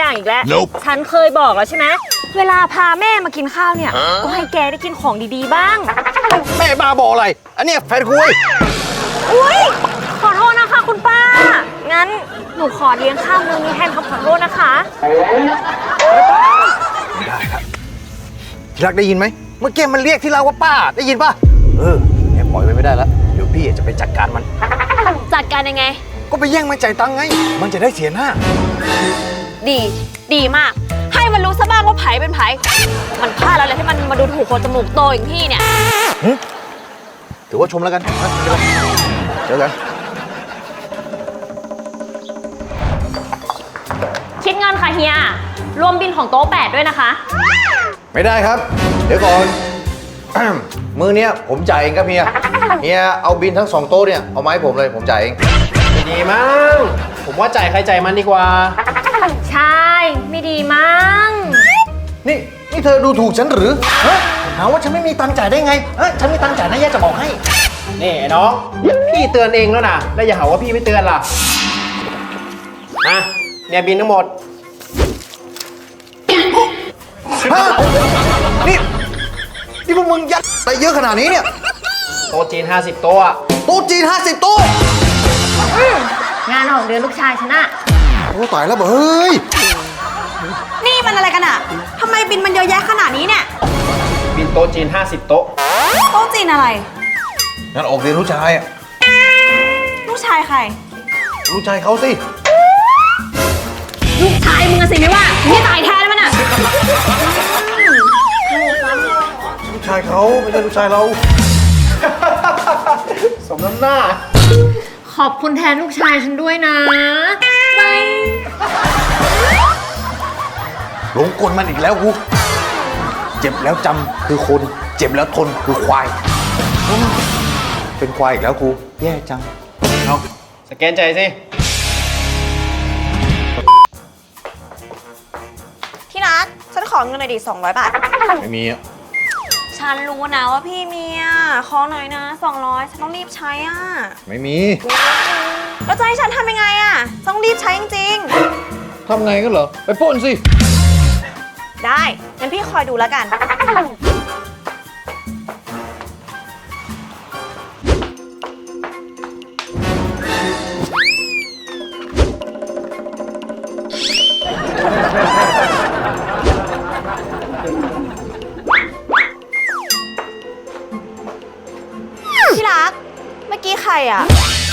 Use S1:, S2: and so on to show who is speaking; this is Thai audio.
S1: อย่างอีกแล้ว
S2: Nope
S1: ฉันเคยบอกแล้วใช่ไหมเวลาพาแม่มากินข้าวเนี่ยก็ให้แกได้กินของดีๆบ้าง
S3: แม่บ้าบออะไร อันเนี้ยแฟนกูเว้ย
S1: อุ้ยขอโทษนะคะคุณป้า งั้นหนูขอเลี้ยงข้าวมื้อนี้แทนคำขอโทษนะคะ
S3: ได้ครับที่รักได้ยินไหมเมื่อกี้มันเรียกที่เราว่าป้าได้ยินป่ะแม่ปล่อยไว้ไม่ได้แล้วเดี๋ยวพี่จะไปจัดการมัน
S1: จัดการยังไง
S3: ก็ไปแย่งมันจ่ายตังค์ไงมันจะได้เสียหน้า
S1: ดีมาก ให้มันรู้ซะบ้างว่าไผเป็นไผมันพลาดแล้วแหละที่มันมาดูถูกคนจมูกโตอย่างพี่เนี่ย
S3: ถือว่าชมแล้วกันนะเจอกัน
S1: คิดเงินค่ะเฮีย รวมบินของโต๊ะ8ด้วยนะคะ
S3: ไม่ได้ครับ เดี๋ยวก่อน มือเนี้ยผมจ่ายเองครับเฮียเอาบินทั้ง2โต๊ะเนี่ยเอามาให้ผมเลยผมจ่ายเอง
S4: ไม่ดีมั้งผมว่าจ่ายใครจ่ายมันดีกว่า
S1: ใช่ ไม่ดีมั้ง
S3: นี่เธอดูถูกฉันหรือฮะหาว่าฉันไม่มีตังค์จ่ายได้ไงฉันมีตังค์จ่ายนะแย่จะบอกให้
S4: นี่ไอ้น้อง พี่เตือนเองแล้วนะแล้วอย่าหาว่าพี่ไม่เตือนล่ะเนี่ยบินทั้งหมด
S3: ฮะนี่พวกมึงยัดอะไรเยอะขนาดนี้เนี่ย
S4: โต๊ะจีน50 โต๊ะอะ
S3: โต๊ะจีน50โต๊ะ
S1: งานออกเดือนลูกชายฉันอะ
S3: โอ้ตายแล้วเฮ้ย
S5: นี่มันอะไรกันอะทำไมบินมันเยอะแยะขนาดนี้เนี่ย
S4: บินโต๊ะจีน50 โต๊ะ
S5: โต๊ะจีนอะไร
S3: งั้นออกเรียนลูกชายอ่ะ
S5: ลูกชายใคร
S3: ลูกชายเขาสิ
S1: ลูกชายมึงอะสิไม่ว่าไม่ตายแทนมันอะ
S3: ลูกชายเขาไม่ใช่ลูกชายเรา
S4: สมน้ำหน้า
S1: ขอบคุณแทนลูกชายฉันด้วยนะบาย
S3: หลงกลมันอีกแล้วกูเจ็บแล้วจำคือคน เจ็บแล้วทนคือควาย เป็นควายอีกแล้วกูแย่จัง
S4: เอาสแกนใจายสิ
S5: ที่รักฉันขอเงินหน่อยดิ200 บาท
S3: ไม่มีอ่ะ
S5: ฉันรู้นะว่าพี่มีอ่ะขอหน่อยนะ200ฉันต้องรีบใช้อ่ะ
S3: ไม่มี
S5: แล้วจะให้ฉันทำยังไงอ่ะ ต้องรีบใช้จริง
S3: ทำไงกันเหรอ ไปปล้นสิ
S5: ๆ ได้ งั้นพี่คอยดูแล้วกัน ที่รัก เมื่อกี้ใครอ่ะ